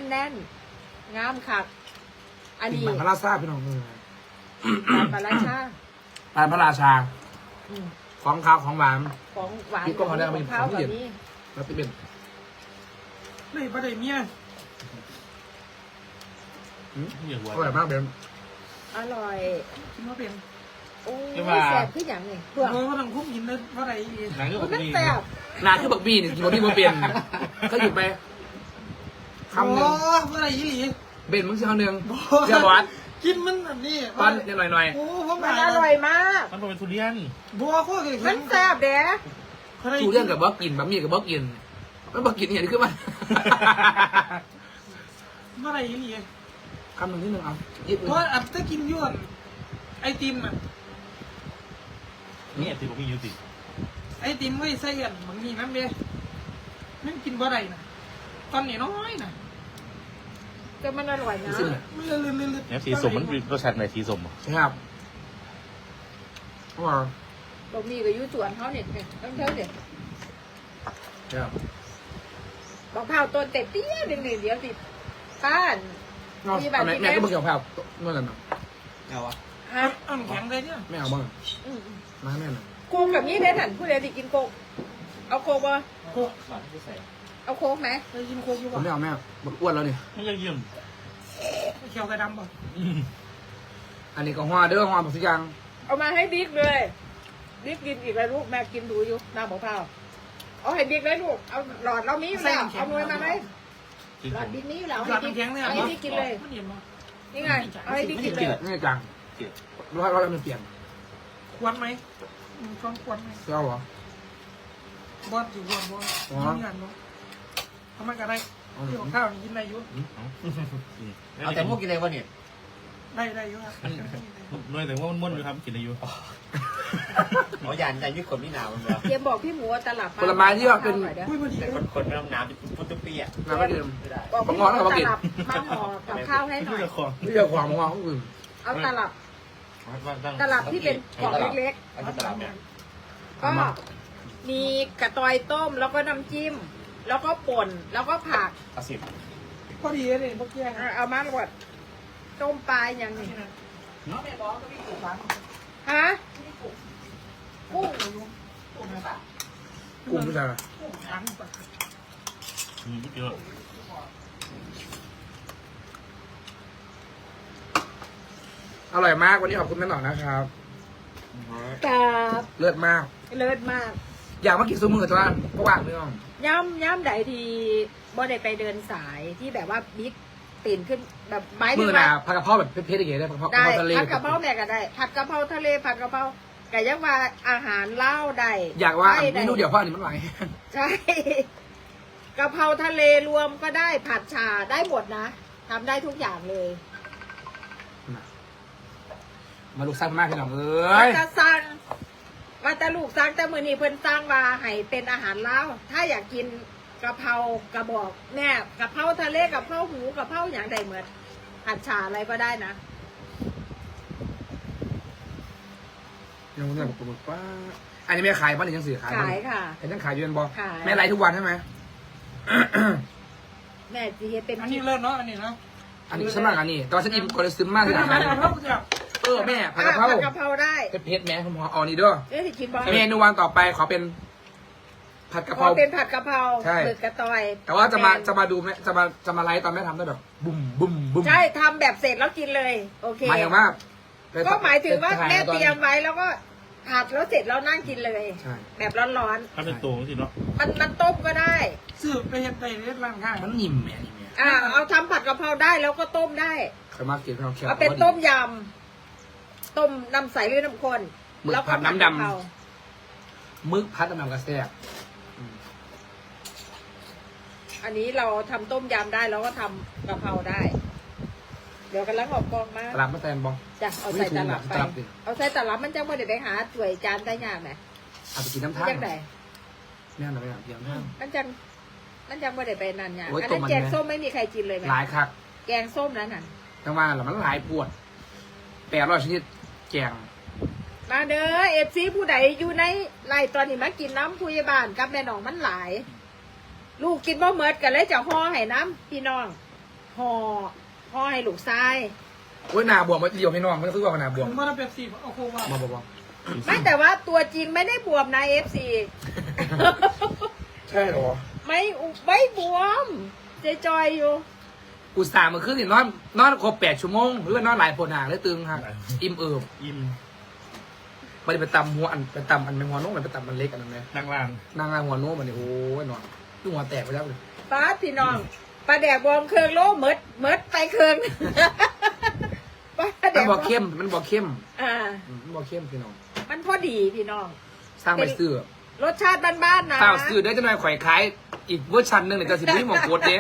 น่นๆงามคักอันนี้ปลาพระราชาพี่น้องเลยปลาราชาปลาพระราชาอืมของข้าวของหวานของหวานพี่ก็พอได้ขเอาอไปงข้าวของแบบเย็นนี้แล้วที่เป็นไม่ประเดี๋ยวเมียอย่าหัวอร่อยมากเบนอร่อยคิดว่าเป็นโอ้ยใช่ปะแซ่บขึ้นอย่างนี้เพื่อเพราะว่าต้องคุ้มยินเลยเพราะอะไรหนังก็มันแบบนี้แซ่บนาคือบักบี้นี่กินบักบี้มาเป็นก็หยุดไปคำหนึ่งเพราะอะไรยี่หลีเบนมึงเสียคำหนึ่งเสียบอสกินมันแบบนี้ตอนนิดหน่อยโอ้ผมมันอร่อยมากมันเป็นทุเรียนบัวข้อเกิดมันแซ่บเด้ๆชูเรื่องกับบอกกินบะหมี่กับบอกกินมันบอกกินเนี่ยนี่คือมันเพราะอะไรยี่หลีคำหนึ่งที่หนึ่งเอายิบเพราะอับจะกินย้วนไอติมอ่ะนี่ติดผมมีอยู่ติดไอติมไว้ใส่กันบางทีน้ำเด้ไม่กินบ่ได้นะตอนนี้น้อยนะแต่มันอร่อยนะซึ่งเนี่ยมันเลื่อนเนี่ยสีสมมันรสชาติไหนสีสมใช่ครับเพราะว่าบะหมี่กับยูส่วนเขาเนี่ยต้องเท่าเด็ดใช่ครับบอกเผาตัวเต็ดเตี้ยหนึ่งเดี๋ยวสิป้านนอนทำไมแม่ก็บอกเกี่ยวกับนั่นแหละนะเอาวะฮะอ่อนแข็งเลยเนี่ยไม่เอาบ้างอืมมาให้แม่หน่อยโคกกับนี้ได้ถันผู้ใดที่กินโคกเอาโคกบ่โอ้เอาโคกไหมไปกินโคกอยู่ผมป่ะไม่เอาแม่บอกอ้วนแล้วนี่ไม่ยังเยี่ยมเขียวกระดำป่ะอันนี้ก็hoaเด้อhoaแบบทุกอย่างเอามาให้บิ๊กเลยบิ๊กกินอีกแล้วลูกแม่กินดูอยู่น้ำมะพร้าวเอาให้บิ๊กเลยลูกเอาหลอดเรามีอยู่แล้วเอาหน่วยมาไหมหลอดบิ๊กมีอยู่แล้วหลอดมันแข็งเลยเอาให้บิ๊กกินเลยมันเห็นป่ะนี่ไงเอาให้บิ๊กกินเลยนี่จังเรามันเปลี่ยนควรไหมช่องควรไหมเจ้าเหรอบอสอยู่บอสมีงานบ่ทำไมกันได้ที่ของข้าวกินได้อยู่เอาแต่พวกกินอะไรวะเนี่ยได้อยู่ครับน้อยแต่ว่ามันม้วนอยู่ครับกินอายุหมอยันใจยึดคนนี่หนาวมันเลยเตรียมบอกพี่หมูว่าตลับผลไม้ที่ว่าเป็นอุ้ยพอดีแต่คนไม่ต้องน้ำพุทธปีอ่ะน้ำไม่ดื่มไม่ได้บอกพี่หมูว่าตลับมาห่อกับข้าวให้หน่อยเจ้าของนี่จะความของอื่นเอาตลับตลับที่เป็นกล่องเล็กอันนี้ตลาดเนี่ยๆก็มีกระตอยต้มแล้วก็น้ำจิ้ม แล้วก็ป่นแล้วก็ผักเอาสิบพอดีเลยพวกแกเอามาหมดต้มปลาอย่างนี้ฮะกุ้งกุ้งผู้ชายขังปะเยอะอร่อยมากวันนี้ขอบคุณแม่หน่อยนะครับกับเลิศมากเลิศมากอยากมากินซูมือจ้าเพราะว่างไม่ต้องย่ำใดทีบ่ได้ไปเดินสายที่แบบว่าบิ๊กตื่นขึ้นแบบไม้มือหนาผัดกะเพราแบบเผ็ดๆอย่างเงี้ยได้ผัดกะเพได้ราทะเลผัดกะเพราแม่ก็ได้ ผัดกะเพราทะเลผัดกะเพราไก่ย่างว่าอาหารเล่าวได้อยากว่าไส้เมนูเดียวเพราะอันนี้มันไหลใช่กะเพราทะเลรวมก็ได้ผัดชาได้หมดนะทำได้ทุกอย่างเลยมาลูกสร้างมากพี่น้องเอ้ยจะสั่งว่าแต่ลูกสั่งแต่มือนี้เพิ่นสร้างว่าให้เป็นอาหารลาวถ้าอยากกินกะเพรากระบอกแม่กะเพราทะเลกะเพราหมูกะเพราอย่างใดเหมือนผัดชาอะไรก็ได้นะยังเนี่ยบอกว่าอันนี้แม่ขายบ้านหรือยังสื่อขายขายค่ะแต่ยังขายอยู่เป็นบอขายแม่ไลฟ์ทุกวันใช่ไหมแม่จีเป็นอันนี้เลิศเนาะอันนี้นะอันนี้ฉันมากอันนี้ตอนฉันอิ่มก็เลยซึมมากที่ผัไหนดกะเพราเจ้าแม่ผัดกะเพราผัดกะเพราได้เผ็ดๆแม่ผมขอเอานี่ด้วยเอ๊ะสิกินบอลเมนูวันต่อไปขอเป็น ผัดกะเพขอราเป็นผัดกะเพราใช่หมึกกระตอยแต่ว่าจะมาดูแม่จะมาไลฟ์ตอนแม่ทำได้แบบบุ้มบุ้มบุ้มใช่ทำแบบเสร็จแล้วกินเลย โอเคหมายถึงว่าก็หมายถึงว่าไปถ่แม่ตอนเตรียมไว้แล้วก็ผัดแล้วเสร็จแล้วนั่งกินเลยใช่แบบร้อนถ้าเป็นตัวสิเนาะๆมันต้มก็ได้สืบไปเห็นไปเล่นร้านข้างมันนิ่มแม่นี่แม่เอาทำผัดกะเพราได้แล้วก็ต้มได้เคยมากินข้าวแคบเอาเป็นต้มยำต้มน้ำใสหรือน้ำข้นหมึกแล้วก็ผัดน้ำดกะเพรามึกพัดน้ำกระแซบอันนี้เราทำต้มยำได้แล้วก็ทำกะเพราได้ เดี๋ยวกันลังออกกองมาตลาดมาแตนบอจ้ะเอาใส่ตลับไปตลับดิเอาใส่ตลับมันจะไม่ได้ไปหาถ้วยจานใต้ยาไหมเอาไปกินน้ำมันท่าจังไดแม่หน่อยเดี๋ยวท่ามันจังไม่ได้ไปนานยาโอ้ยอันต้นั้มนมันแกงไหมส้มไม่มีใครกินเลยไหมหลายคักแกงส้มนั้นน่ะจังว่าหรอมันหลายปวด800ชนิดแกงมาเด้อเอฟซีผู้ใดอยู่ในไร่ตอนนี้มากินน้ำผู้ใหญ่บ้านกับแม่น้องมันหลาย ลูกกินบ่เมิดกันเลยจะห่อให้น้ำพี่น้องห่อให้ลูกชายโอ้ยหนาบวมมาเดียวไม่นอนมันก็คือว่าหนาบวมผมว่าเราเปรียบสีเอาโคว่ามาบอกไม่แต่ว่าตัวจริงไม่ได้บวมนะ FC ใช่หรอไม่บวมจอยๆอยู่อุตส่าห์มาขึ้นสินอนครบ8 ชั่วโมงหรือว่านอนหลายปวดหนาเลยตึงครับอิ่มเอิบอิ่มมันไปตำหัวอันไปตำอันเป็นหัวนุ่มมันไปตำมันเล็กอันนั้นไหมนั่งล่างนางงานหัวนุ่มมันนี่โอ้ยนอนดูหัวแตกไปแล้วเลยป้าพี่น้องปลาแดกบวมเครื่องโลเมิดไปเครื่องปลาแดมันกบอกเข้มมันบอกเข้มอ่ามันบอกเข้มพี่น้องมันพอดีพี่น้องสร้างไปซื้อรสชาติบ้านๆนะเปล่าซื้อได้จะหน่อยข่อยขายอีกเวอร์ชันหนึ่งเนี่ยจะสิบวิหมองโคตรเด้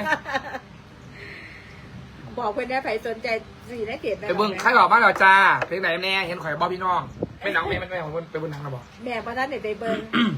บอกเพื่อนได้ใครสนใจสีได้เกตไปเบิ้งใครบอกบ้านเราจ้าเพลงไหนแน่เห็นข่อยบอกพี่น้องไม่หนังแม่มันแม่ของไปเบิ้งหนังนะบอกแม่พระท่านเด็ดไปเบิ้ง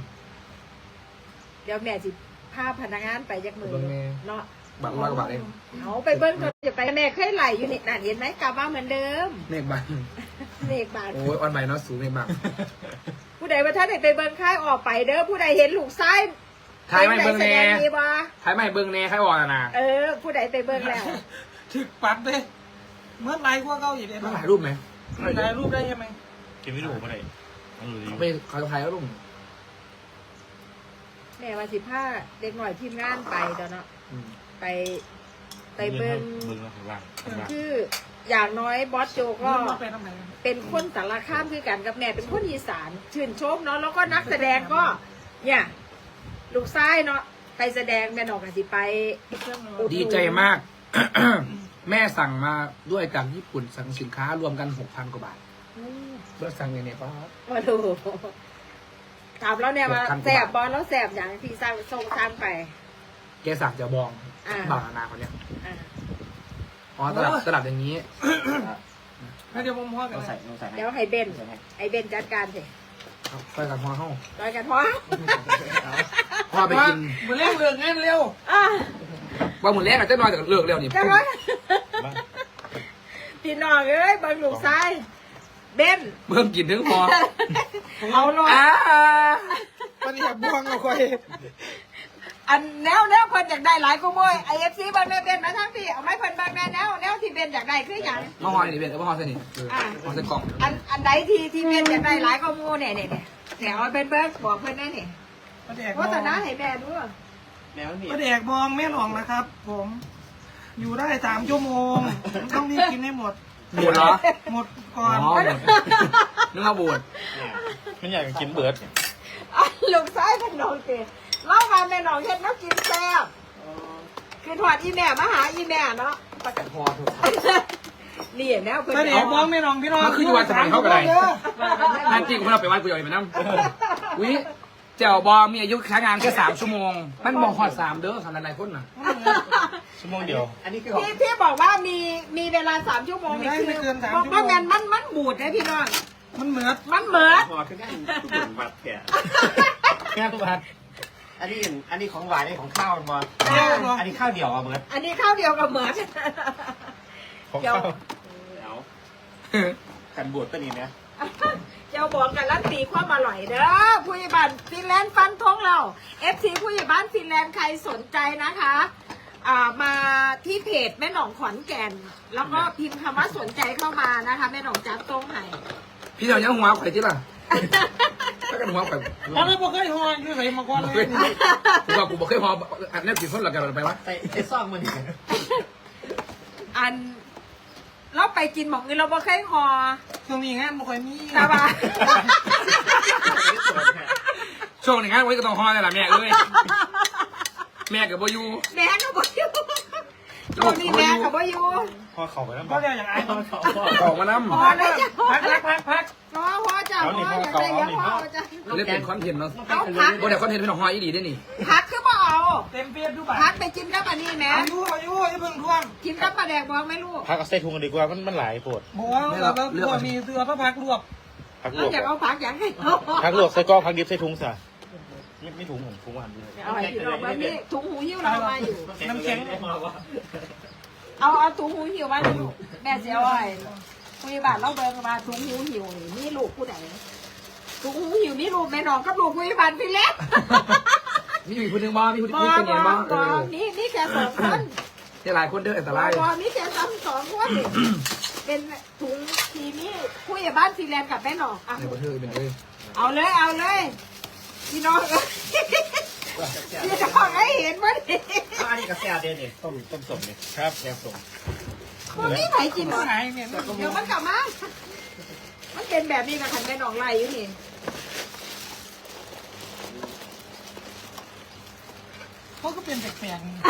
เดี๋ยวแม่สิพาพนักงานไปยักมือเนาะบาท100 กว่าบาทเองเอาไปเบิ้งเขาจะไปแม่เคยไหลอยู่นี่นั่นเห็นไหมกลับมาเหมือนเดิมเมฆบาทเลขบาทโอ้ยออนใหม่เนาะสูงเมฆบาทผู้ใดว่าท่านเด็ดไปเบิ้งค่ายออกไปเด้อผู้ใดเห็นลูกซ้ายถ่ายไม่เบิ้งแสแน่ดงดีบ่ถ่ายไม่เบิ้งแน่ใครบอกนะผู้ใดไปเบิ้งแล้วถึกปัดเลยเมื่อไรกว่าเก่าอีกเลยต้องถ่ายรูปไหมถ่ายรูปได้ใช่ไหมเก็บวิดีโอมาได้เอาเลยไม่เขาถ่ายแล้วรูปแม่ว่า15เด็กหน่อยทีมงานไปเดี๋ยวเนาะไปเบิ้งเบิ้งข้างล่างข้างล่างคืออย่างน้อยบอสโจก็เมื่อมาไปทำไมเป็นคนสารคามคือกันกับแม่เป็นคนอีสานชื่นชมเนาะแล้วก็นักแสดงก็ เนี่ย ลูกซ้ายเนาะไปแสดงแม่นอกกันสิไปดีใจมาก แม่สั่งมาด้วยจากญี่ปุ่นสั่งสินค้ารวมกัน 6,000 กว่าบาทเพื่อสั่งเนี่ยป้ามาดูถามแล้วเนี่ยว่า 6,000 แสบบอลแล้วแสบอย่างที่สร้างส่งสร้างไปแกสั่งจะบองอ่าบางนาคนเนี้ยอ่าอ๋อตลับอย่างนี้ให้เดี๋ยวผมพ่อกันต้องใส่ต้องใส่เดี๋ยวให้เบนไอ้เบนจัดการสิไปกับพ่อเข้าร้อยกันพอพ่อไปกินมาเร็วเรื่องงานเร็วอ่ะว่าหมุนแรกอาจจะน้อยแต่เลิกเร็วนี่จะร้อยพี่น้องเอ้ยเบังลูกซ้ายเบนเพิ่มกินถึงพอเอาหน่อยมันอยากบวงเอาคอยอันแนวเพิ่นอยากได้หลายกูโมยไอเอฟซีบางแม่เป็นมาทั้งพี่เอาไม้เพิ่นบางแม่แนวที่เป็นอยากได้คืออย่างมาหอนี่เป็นมาหอเสนิทหอเสกล่องอันใดที่เป็นอยากได้หลายกูโมเนี่ยเอาเป็นเบิร์กบอกเพิ่นได้เนี่ยมาแดกโฆษณาให้แม่ด้วยแมวนี่มาแดกบองแม่หนองนะครับ ผม อยู่ได้3 ชั่วโมงต้องรีบกินให้หมดบูดเหรอหมดก่อ๋ออน นึกว่าบูดมันอยากกินเบิร์ดลูกซ้ายเป็นน้องเตะเล่ามาแม่น้องเฮ็ดน้ำกินแซ่บคือถอดอีแม่มาหาอีแม่เนาะประกันพอถูกนี่แนวเพิ่นมาแดกบองแม่หนองพี่น้องมันคืออยู่วันสมัยเข้าไปไหนนั่นจริงผมเราไปวัดกูอยากไปนั่งวิเจ้าบอมีอายุใช้งานแค่3 ชั่วโมง มันบอกหอด3เด้อขนาดไหนคนน่ะชั่วโมงเดียวอันนี้คือของที่บอกว่ามีเวลา3 ชั่วโมงนี่คือบอกว่ามันบูดนะพี่น้องมันเหมือนมันเหมือนพอคือได้ทุกอย่างบัตรแกแค่ตัวพัดอันนี้ของหวานนี่ของข้าวมันบอลอ่าอันนี้ข้าวเดี่ยวอ่ะเหมือนอันนี้ข้าวเดียวกับเหมือนของเดี๋ยวข้าวเอากันบวชตัวนี้นะเจ้าบอกกันลั่นตีความอร่อยเด้อผู้ใหญ่บ้านฟินแลนด์ฟันทงเรา FC ผู้ใหญ่บ้านฟินแลนด์ใครสนใจนะคะมาที่เพจแม่หนองขอนแก่น แล้วก็พิมพ์คำว่าสนใจเข้ามานะคะแม่หนองจัดตรงไหนพี่เจ้ายังหัวไข่ที่ล่ะถ้ากันหัวไข่แล้วเราบอกเคยหอนคือใส่มาก่อนเลยกูบอกกูบอกเคยหัวอันนี้กินคนหลักกันไปวะใส่ซ่อมมันอีกอันเราไปกินหมองอื่นเราบ่เคยหอช่วงนี้งานบ่ค่อยมีแต่ว่าช่วงหนึ่งงานไว้ก็ต้องหัวนี่แหละแม่เอ้ยแม่กับโบยูแม่ก็บ่อยู่ช่วงนี้แม่ก็บ่อยู่พอเข่าไปแล้วก็เรียกอย่างไรออกมาน้พอเลยจ้ะพักพอจ้ะพออยากได้ยังพอจ้ะำเล่นเป็นคอนเทนต์เนาะเอาพักโบเดี๋ยวคอนเทนต์เป็นของหัวอีดีได้นี่พักคือบ่เอาเต็มเปียบดูบัตพัรกไปกินกับอันนี้แม่อายุอย่าเพิ่งท่วงกินกับปลาแดกบอกไหม่ลูกพักเอาใส่ถุงกันดีกว่ามันหลายปวดบอกว่าเราพวกมีเสื้อพระพักรวบพักลเราวกอยากเอาพักอย่างให้เอาพักลวกใส่ก้อพักดิบใส่ถุงซะไม่ถุงผมถุงหวานด้วยเอาให้พี่น้องแบบนี้ถุงหูหิ้วเรามาอยู่น้ำแข็งเอาถุงหูหิ้วมาให้ลูกแม่เสียอ้อยคุยบ้านเราเบิ่งมาถุงหูหิ้วนี่มีลูกผู้ใดถุงหูหิ้วมีลูกแม่น้องกับลูกคุยบ้านพี่เล็กมีคนหนึ่งบ้ามีคนบอคนเดียวบ้านี่แค่2 คนหลายคนเด้ออันตรายพอมีแค่ซ้ำ2คนนี่เป็นถุงทีนี้ผู้ใหญ่บ้านซีแลนด์กับแม่หนองอ่ะในประเทศเป็นเลยเอาเลยพี่น้องพี่น้องให้เห็นว่าดิอันนี้กาแฟเด่นนี่ต้มสมนี่ครับแกงส้มมันไม่ไหนกินหรอกหายเนี่ยเดี๋ยวมันกลับมามันเป็นแบบนี้กับขันแม่หนองไรอยู่นี่เขาก็เป็นแปลกๆนี่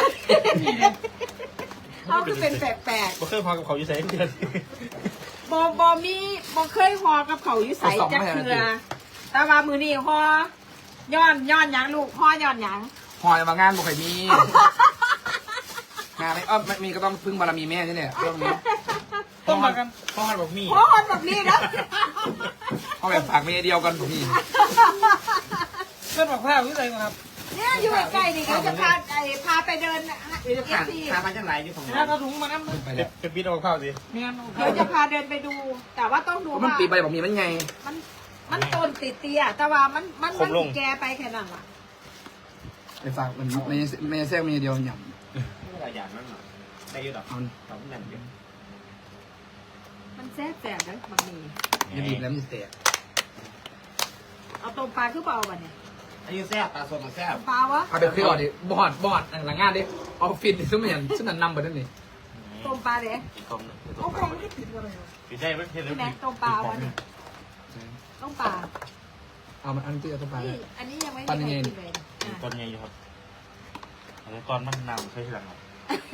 เขาคือเป็นแปลกบ่เคยพอกับเขาอยู่ใส่เดือนๆบมีบอเคยหอกับเขาอยู่ใส่จักเทือแต่ว่ามือนี่หย้อนหยังลูกหย้อนหยังหอยมางานบุคคลมีงานไม่มีก็ต้องพึ่งบารมีแม่นี่เนี่ยเรื่องนี้ต้มมากันพ่อหันบอกมีหอคนแบบนี้นะเอาแบบฝากเมียเดียวกันผมนี่เพื่อนบอกข้าววิสัยครับเนี่ยอยู่ใกล้ๆนี่เขาจะพาไปเดินนี่จะผ่านพามาจังไรอยู่ของแล้เราวก็ถุงมาน้ำเลยไปแล้วเป็นบิดเอาข้าวสิเมียนเดี๋ยวจะพาเดินไปดู แต่ว่าต้องดูมันว่าปีใบบอกมีมันไงมันต้นติดเตี้ยแต่ว่ามันแกไปแค่นั้นล่ะไปฝากมันไม่แทรกเมียเดียวหย่ไม่หลายอย่างนั่นหรอได้อยู่ดอกำเอาสองนั่นอยู่มันแซ่บๆนะมันมีอย่าบีบแล้วมันจะแตกเอาต้มปลาคือเปล่าบ่เนี่ยอันนี้แซ่บปลาสดมันแซ่บต้มปลาวะเอาไปเครื่องดิบอดหลังงานดิออฟฟิศซึ่งมันอย่างซึ่งนั่นนำไปนั่นนี่ต้มปลาเด้ต้มเอาคงไม่ติดอะไรหรอพี่ได้ไม่เห็นเลยพี่แม็กต้มปลาวะเนี่ยต้มปลาเอามันอันที่เอาตัวไปนี่อันนี้ยังไม่ปั้นได้ยังไงกินเลยอ่ะตอนใหญ่อยู่ครับตอนมันนำใช่ไหมครับ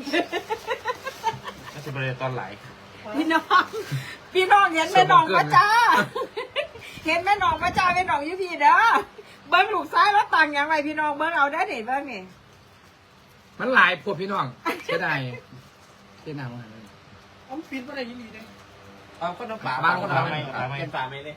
น่าจะเป็นตอนไหลพี่น้องเห็นแม่น้องมาจ้าเห็นแม่น้องมาจ้าแม่น้องอยูพี่เด้อเบิ้งลูกซ้ายแล้วตังยังไงพี่น้องเบิ้งเอาได้เห็นเบิ้งนี่มันหลายพวกพี่น้องเสียดายเสียดายมากเลยเอาปิดอะไรยินดีเลยเอาก็น้ำปลาเป็นปลาไม่เลย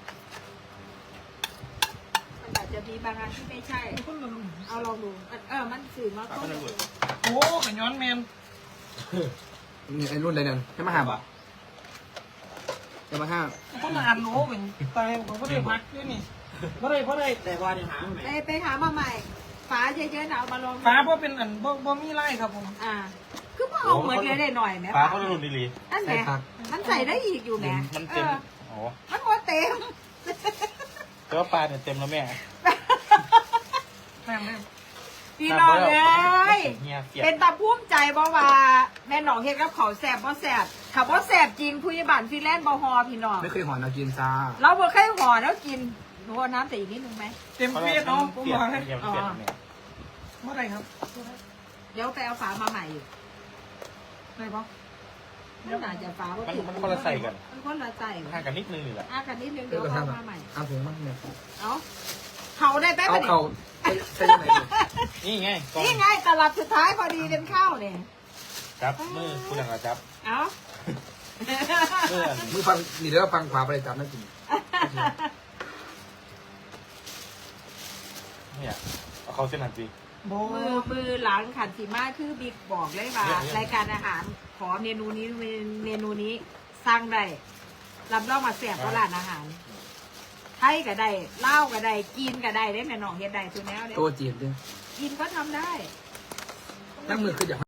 มันอาจจะมีบางอันที่ไม่ใช่คนละรุ่นเอาลองดูมันสื่อมาต้มโอ้ขย้อนแมนนี่ไอ้รุ่นอะไรเนี่ยให้มาห้าบาทจะมาห้าคนละอันโอ้เป็นตายผมก็ได้พักด้วยนี่เพราะอะไรแต่ว่าเนี่ยหาไม่ไปหามาใหม่ฝาเยอะๆนะเอามาลองฟ้าเพราะเป็นอันบ่มีไล่ครับผมคือพอเอาเหมือนเลยได้หน่อยไหมฟ้าเขารุ่นดีนั่นแหละมันใส่ได้อีกอยู่แหมมันเต็มอ๋อมันหมดเต็มแต่ว่าปลาเนี่ยเต็มแล้วแม่แม่แม่พี่น้องเลยเฮียเปียกเป็นตาภูมิใจบ่ว่าแม่หนองเฮ็ดกับเขาวแสบบ่แสบถ้าบ่แสบจริงผู้ใหญ่บ้านฟิแลนซ์บ่ฮอพี่น้องไม่เคยหอนเอากินซ่าเราบ่เคยห่อแล้วกินหนูเอาน้ำแต่อีกนิดนึงไหมเต็มเฟียดเนาะผมเปียกบอกให้เฮียเปียกแม่เมื่อไรครับเดี๋ยวไปเอาฝามาใหม่อยู่ได้ปะมันน่าจะฝาบ่มันคนละใส่กันมันคนละใส่ห่างกันนิดนึงนี่แหละกันนิดนึงเดี๋เดี๋ยยว วก็เอาทำมาใหม่เอาถุงมั่งเนี่ยเอาเขาได้แป๊บเอานึงเขาใช่ยังไงนี่ไงกองนี่ไงตลับสุดท้ายพอดีเป็นข้าวเนี่ยจับมือคุณหลังจับเอามือฟังนี่เดี๋ยวฟังขวาไปเลยจับนั่นกินเนี่ยเอาเขาเส้นหันสิโบมือหลังขันสีมาคือบิ๊กบอกเลยว่าเนี่ยรายการอาหารขอเมนูนี้เมนูนี้สร้างได้รับรองมาแสบก็ร้านอาหารไทยก็ได้เล่าวก็ได้กินก็ได้ได้แม่น้องเฮ็ดได้ทุกแนวเลยตัวจีบด้วยกินก็ทำได้นั่งมือคืออย่าง